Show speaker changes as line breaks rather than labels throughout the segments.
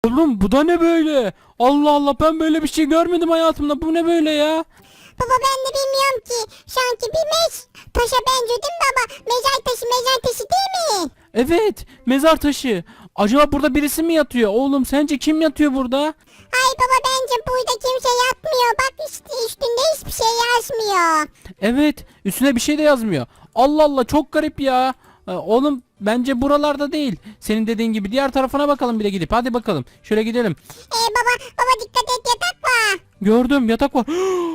Oğlum bu da ne böyle? Allah Allah, ben böyle bir şey görmedim hayatımda. Bu ne böyle ya?
Baba ben de bilmiyorum ki. Sanki bir taşa benziyor değil mi baba? Mezar taşı değil mi?
Evet, mezar taşı. Acaba burada birisi mi yatıyor? Oğlum sence kim yatıyor burada?
Ay baba bence burada kimse yatmıyor. Bak işte üstünde hiçbir şey yazmıyor.
Evet, üstüne bir şey de yazmıyor. Allah Allah, çok garip ya. Oğlum bence buralarda değil. Senin dediğin gibi diğer tarafına bakalım bir de gidip. Hadi bakalım. Şöyle gidelim.
Baba dikkat et yatak var.
Gördüm, yatak var.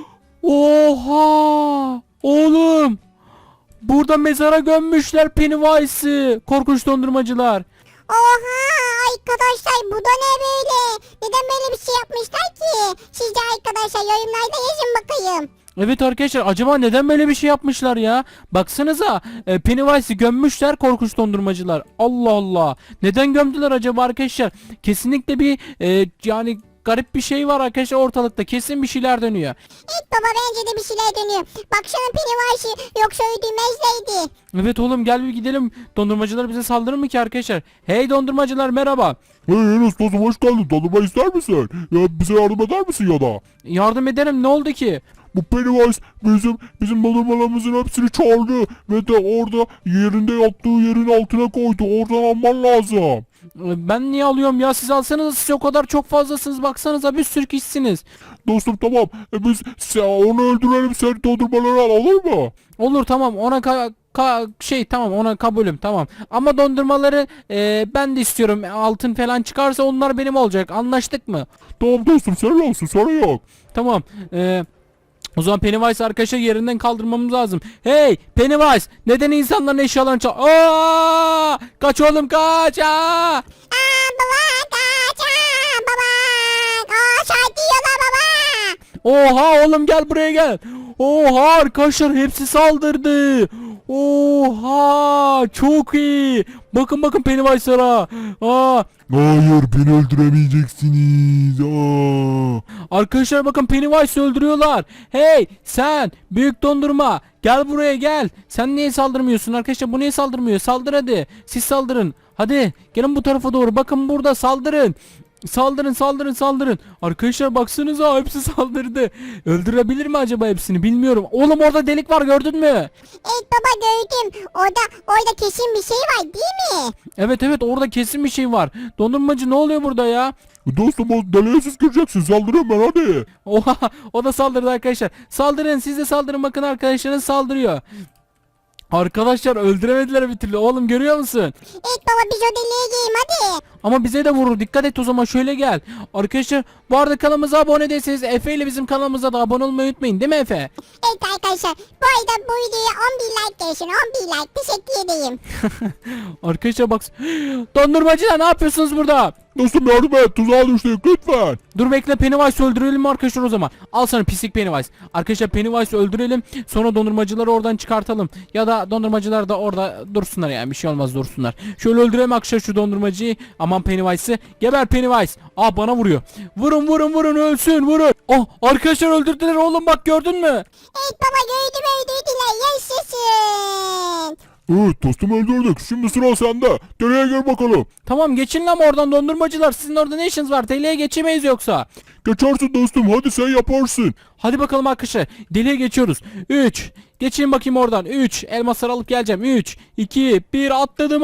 Oha! Oğlum! Burada mezara gömmüşler Pennywise'ı. Korkunç dondurmacılar.
Oha arkadaşlar bu da ne böyle? Neden böyle bir şey yapmışlar ki? Siz de arkadaşlar yorumlarda yazın bakayım.
Evet arkadaşlar, acaba neden böyle bir şey yapmışlar ya? Baksanıza, Pennywise'ı gömmüşler korkunç dondurmacılar. Allah Allah. Neden gömdüler acaba arkadaşlar? Kesinlikle bir yani garip bir şey var arkadaşlar ortalıkta. Kesin bir şeyler dönüyor.
Evet baba bence de bir şeyler dönüyor. Baksana Pennywise'ı yoksa öldürmezlerdi.
Evet oğlum, gel bir gidelim. Dondurmacılar bize saldırır mı ki arkadaşlar? Hey dondurmacılar, merhaba.
Hey Enes dostum, hoş geldin. Dondurma ister misin? Ya bize yardım eder misin ya da?
Yardım ederim, ne oldu ki?
Bu Pennywise bizim dondurmalarımızın hepsini çaldı ve de orada yerinde yattığı yerin altına koydu. Oradan alman lazım.
Ben niye alıyorum ya? Siz alsanız, siz o kadar çok fazlasınız. Baksanıza, bir sürü kişisiniz.
Dostum tamam. Onu öldürelim, sen dondurmaları al, olur mu?
Olur, tamam, ona tamam, ona kabulüm, tamam. Ama dondurmaları ben de istiyorum. Altın falan çıkarsa onlar benim olacak. Anlaştık mı?
Tamam dostum, senin olsun, sorun yok.
Tamam. O zaman Pennywise arkadaşlar yerinden kaldırmamız lazım. Hey Pennywise, neden insanların eşyalarını kaç oğlum, kaç!
Baba kaç baba. Şarkı yiyorlar baba.
Oha oğlum, gel buraya gel. Oha arkadaşlar, hepsi saldırdı. Oha, çok iyi. Bakın Pennywise'lara.
Hayır, beni öldüremeyeceksiniz.
Arkadaşlar bakın, Pennywise öldürüyorlar. Hey sen büyük dondurma, gel buraya gel. Sen niye saldırmıyorsun arkadaşlar? Bu niye saldırmıyor? Saldır hadi. Siz saldırın. Hadi gelin bu tarafa doğru. Bakın burada, saldırın. Saldırın. Arkadaşlar baksanıza, hepsi saldırdı. Öldürebilir mi acaba hepsini, bilmiyorum. Oğlum orada delik var, gördün mü?
Evet baba gördüm. Orada kesin bir şey var değil mi?
Evet orada kesin bir şey var. Dondurmacı, ne oluyor burada ya?
Dostum, o deliğe siz gireceksin. Saldırıyorum ben, hadi.
Oha, o da saldırdı arkadaşlar. Saldırın, siz de saldırın, bakın arkadaşlarınız saldırıyor. Arkadaşlar öldüremediler bir türlü. Oğlum görüyor musun?
Evet baba biz o deliğe gireyim hadi.
Ama bize de vurur. Dikkat et o zaman, şöyle gel. Arkadaşlar bu arada kanalımıza abone değilseniz Efe ile bizim kanalımıza da abone olmayı unutmayın, değil mi Efe?
Evet arkadaşlar bu arada bu videoya 11 like gelsin, 11 like, teşekkür edeyim.
Arkadaşlar bak. Dondurmacılar, ne yapıyorsunuz burada?
Dostum yardım et, tuzağa düştük lütfen.
Dur bekle, Pennywise öldürelim mi arkadaşlar o zaman? Al sana pislik Pennywise. Arkadaşlar Pennywise öldürelim, sonra dondurmacıları oradan çıkartalım. Ya da dondurmacılar da orada dursunlar, yani bir şey olmaz, dursunlar. Şöyle öldürelim arkadaşlar şu dondurmacıyı. Aman Pennywise'ı. Geber Pennywise. Aa, bana vuruyor. Vurun ölsün, vurun. Oh, arkadaşlar öldürdüler oğlum, bak gördün mü?
Evet baba gördüm öldürdüler, yaşasın.
Evet dostum, öldürdük. Şimdi sıra sende. Deliğe gir bakalım.
Tamam, geçin lan oradan dondurmacılar. Sizin orada ne işiniz var? Deliğe geçemeyiz yoksa.
Geçersin dostum, hadi sen yaparsın.
Hadi bakalım arkadaşlar. Deliğe geçiyoruz. 3. Geçin bakayım oradan. 3. Elmasları alıp geleceğim. 3, 2, 1. Atladım.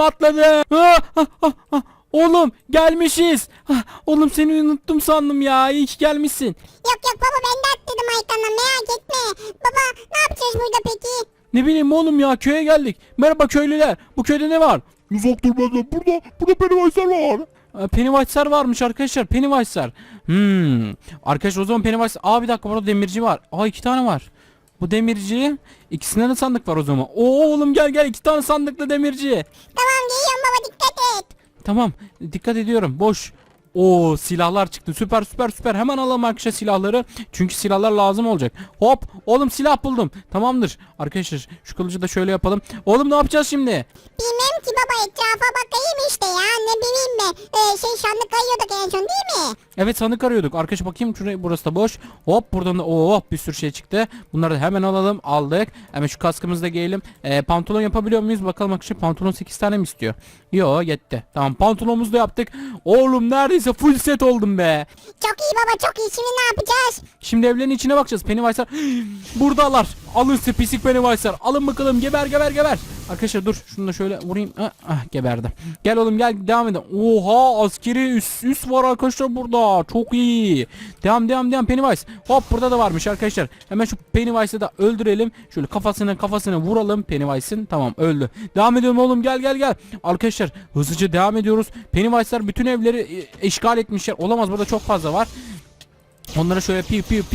Oğlum gelmişiz. Oğlum seni unuttum sandım ya. İyi ki gelmişsin.
Yok baba ben de atladım Aykan'la, merak etme. Baba ne yapacağız burada peki?
Ne bileyim oğlum ya, köye geldik. Merhaba köylüler. Bu köyde ne var?
Uzak dur benden. Burada Pennywise'ler var.
Pennywise'lar varmış arkadaşlar. Pennywise'lar. Arkadaşlar o zaman Pennywise. Bir dakika, burada demirci var. 2 tane var. Bu demirci. İkisinde de sandık var o zaman. Oğlum gel 2 tane sandıklı demirci.
Tamam geliyorum baba, dikkat et.
Tamam, dikkat ediyorum. Boş. Silahlar çıktı. Süper. Hemen alalım arkadaşlar silahları. Çünkü silahlar lazım olacak. Hop. Oğlum silah buldum. Tamamdır. Arkadaşlar şu kılıcı da şöyle yapalım. Oğlum ne yapacağız şimdi?
Bilmem ki baba, etrafa bakayım işte ya, ne bileyim ben. Sandık arıyorduk en son değil mi?
Evet, sandık arıyorduk. Arkadaşlar bakayım şuraya, burası da boş. Hop buradan da oh bir sürü şey çıktı. Bunları da hemen alalım. Aldık. Hemen şu kaskımızı da giyelim. Pantolon yapabiliyor muyuz? Bakalım arkadaşlar, pantolon 8 tane mi istiyor? Yo, yetti. Tamam, pantolonumuzu da yaptık. Oğlum neredeyse full set oldum be.
Çok iyi baba, çok iyi. Şimdi ne yapacağız?
Şimdi evlerin içine bakacağız. Pennywise'lar buradalar. Alın size pislik Pennywise'lar. Alın bakalım, geber geber geber. Arkadaşlar dur, şunu da şöyle vurayım. Geberdi. Gel oğlum gel, devam edelim. Oha, askeri üs var arkadaşlar burada. Çok iyi. Devam Pennywise. Hop, burada da varmış arkadaşlar. Hemen şu Pennywise'ı da öldürelim. Şöyle kafasına vuralım Pennywise'ın. Tamam, öldü. Devam edelim oğlum, gel. Arkadaşlar hızlıca devam ediyoruz. Pennywise'lar bütün evleri işgal etmişler. Olamaz, burada çok fazla var. Onlara şöyle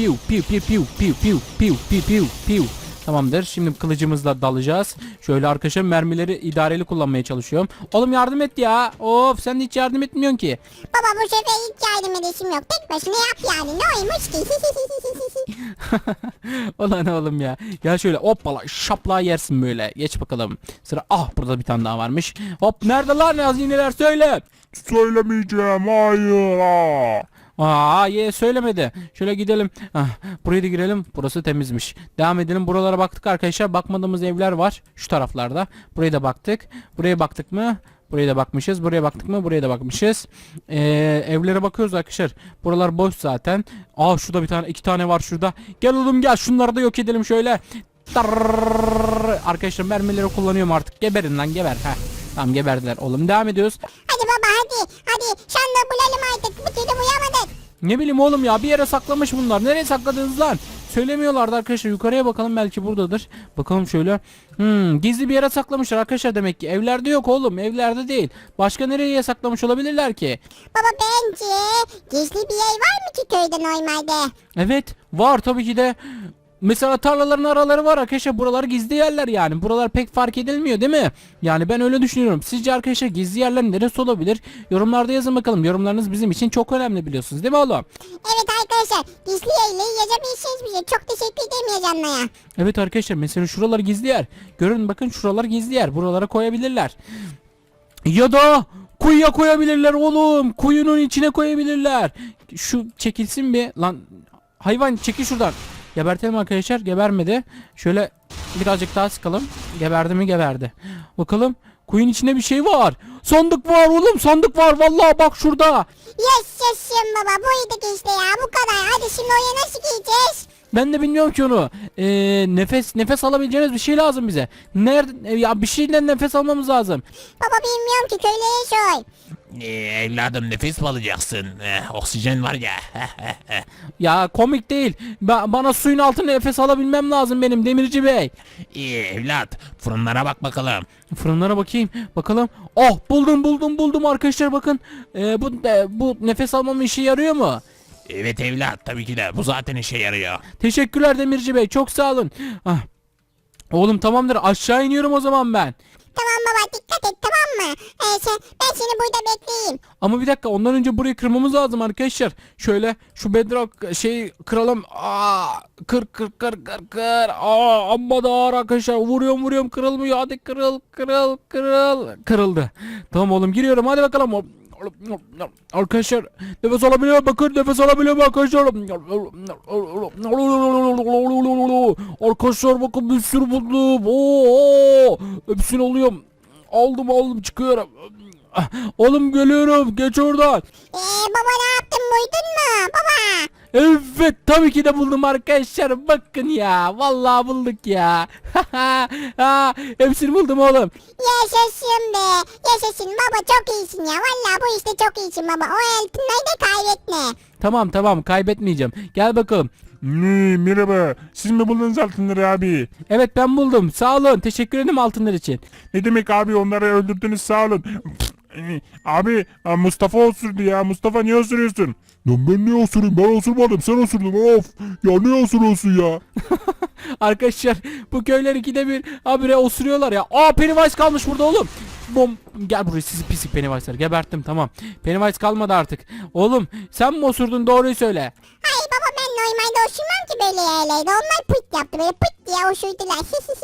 piu. Tamamdır. Şimdi kılıcımızla dalacağız. Şöyle arkadaşlar mermileri idareli kullanmaya çalışıyorum. Oğlum yardım et ya. Of, sen de hiç yardım etmiyorsun ki.
Baba bu sefer hiç yardım edesim yok. Tek başına yap yani. Ne oymuş ki?
Ulan oğlum ya. Gel şöyle hoppala şapla yersin böyle. Geç bakalım. Sıra burada bir tane daha varmış. Hop, nerede lan hazineler, söyle.
Söylemeyeceğim, hayır.
Söylemedi. Şöyle gidelim. Buraya da girelim. Burası temizmiş. Devam edelim. Buralara baktık arkadaşlar. Bakmadığımız evler var. Şu taraflarda. Buraya da baktık. Buraya baktık mı? Buraya da bakmışız. Buraya baktık mı? Buraya da bakmışız. Evlere bakıyoruz arkadaşlar. Buralar boş zaten. Şurada bir tane, 2 tane var şurada. Gel oğlum gel. Şunları da yok edelim şöyle. Arkadaşlar mermileri kullanıyorum artık. Geberin lan, geber. Tamam, geberdiler oğlum. Devam ediyoruz.
Hadi baba hadi. Şanla bulalım artık. Bir türlü uyamadık.
Ne bileyim oğlum ya, bir yere saklamış bunlar. Nereye sakladınız lan? Söylemiyorlardı arkadaşlar. Yukarıya bakalım, belki buradadır. Bakalım şöyle. Gizli bir yere saklamışlar arkadaşlar demek ki. Evlerde yok oğlum, evlerde değil. Başka nereye saklamış olabilirler ki?
Baba bence gizli bir yer var mı ki köyde normalde?
Evet var tabii ki de. Mesela tarlaların araları var arkadaşlar, buralar gizli yerler yani. Buralar pek fark edilmiyor değil mi? Yani ben öyle düşünüyorum. Sizce arkadaşlar gizli yerler neresi olabilir? Yorumlarda yazın bakalım. Yorumlarınız bizim için çok önemli, biliyorsunuz değil mi oğlum?
Evet arkadaşlar, gizli yerleri yazabilirsiniz bize. Çok teşekkür ederim yazanlara.
Evet arkadaşlar, mesela şuralar gizli yer. Görün bakın, şuralar gizli yer. Buralara koyabilirler. Ya da kuyuya koyabilirler oğlum. Kuyunun içine koyabilirler. Şu çekilsin bir lan. Hayvan, çekil şuradan. Gebertelim arkadaşlar. Gebermedi. Şöyle birazcık daha sıkalım. Geberdi mi? Geberdi. Bakalım. Kuyunun içinde bir şey var. Sandık var oğlum. Sandık var. Vallahi bak şurada.
Yaşasın baba. Buydu işte ya. Bu kadar. Hadi şimdi oraya nasıl gideceğiz?
Ben de bilmiyorum ki onu. Nefes alabileceğimiz bir şey lazım bize. Nerede? Ya bir şeyden nefes almamız lazım.
Baba bilmiyorum ki, köylere sor.
Evladım, nefes mi alacaksın? Oksijen var ya.
Ya komik değil. Bana suyun altında nefes alabilmem lazım benim Demirci Bey.
Evlat, fırınlara bak bakalım.
Fırınlara bakayım. Bakalım. Buldum arkadaşlar, bakın. Bu nefes almamın işe yarıyor mu?
Evet evlat, tabii ki de bu zaten işe yarıyor.
Teşekkürler Demirci Bey. Çok sağ olun. Oğlum tamamdır. Aşağı iniyorum o zaman ben.
Tamam baba, dikkat et, tamam mı? Ben seni burada bekleyeyim.
Ama bir dakika, ondan önce burayı kırmamız lazım arkadaşlar. Şöyle şu bedrock kıralım. Kır. Amma da ağır arkadaşlar. Vuruyorum kırılmıyor. Hadi kırıl. Kırıldı. Tamam oğlum, giriyorum. Hadi bakalım. Arkadaşlar nefes alabiliyor, bakın nefes alabiliyor arkadaşlar. Arkadaşlar bakın, bir sürü buldum. Hepsini alıyorum. Aldım çıkıyorum. Oğlum geliyorum, geç oradan.
Baba ne yaptın, buydun mu baba?
Evet, tabii ki de buldum arkadaşlar. Bakın ya, vallahi bulduk ya. Hepsini buldum oğlum.
Yaşasın be. Yaşasın baba, çok iyisin ya. Vallahi bu işte çok iyisin baba. O altınları da kaybetme.
Tamam, kaybetmeyeceğim. Gel bakalım.
Merhaba. Siz mi buldunuz altınları abi?
Evet, ben buldum. Sağ olun. Teşekkür ederim altınlar için.
Ne demek abi, onları öldürdünüz, sağ olun. Abi Mustafa osurdu ya. Mustafa niye osuruyorsun? Lan ben niye osurayım? Ben osurmadım, sen osurdun. Of. Ya niye osuruyorsun ya?
Arkadaşlar bu köyler ikide bir habire osuruyorlar ya. Pennywise kalmış burada oğlum. Gel buraya sizi pislik Pennywise'lar. Geberttim, tamam. Pennywise kalmadı artık. Oğlum sen mi osurdun, doğruyu söyle.
Hayır baba, ben normalde osurmam ki böyle yerlerde. Onlar pıt yaptı böyle pıt diye osurdular.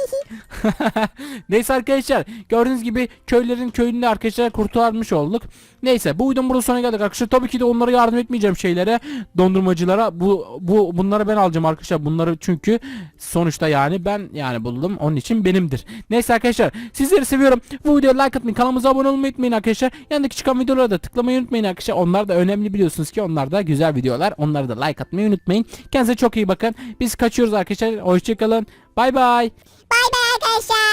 Neyse arkadaşlar gördüğünüz gibi köyünde arkadaşlar kurtarmış olduk. Neyse bu videonun burada sonuna geldik arkadaşlar. Tabii ki de onlara yardım etmeyeceğim şeylere, dondurmacılara. Bunları ben alacağım arkadaşlar. Bunları çünkü sonuçta yani ben buldum. Onun için benimdir. Neyse arkadaşlar sizleri seviyorum. Bu videoya like atmayı, kanalımıza abone olmayı unutmayın arkadaşlar. Yanındaki çıkan videolara da tıklamayı unutmayın arkadaşlar. Onlar da önemli, biliyorsunuz ki onlar da güzel videolar. Onları da like atmayı unutmayın. Kendinize çok iyi bakın. Biz kaçıyoruz arkadaşlar. Hoşçakalın. Bay bay.
Bay bay arkadaşlar.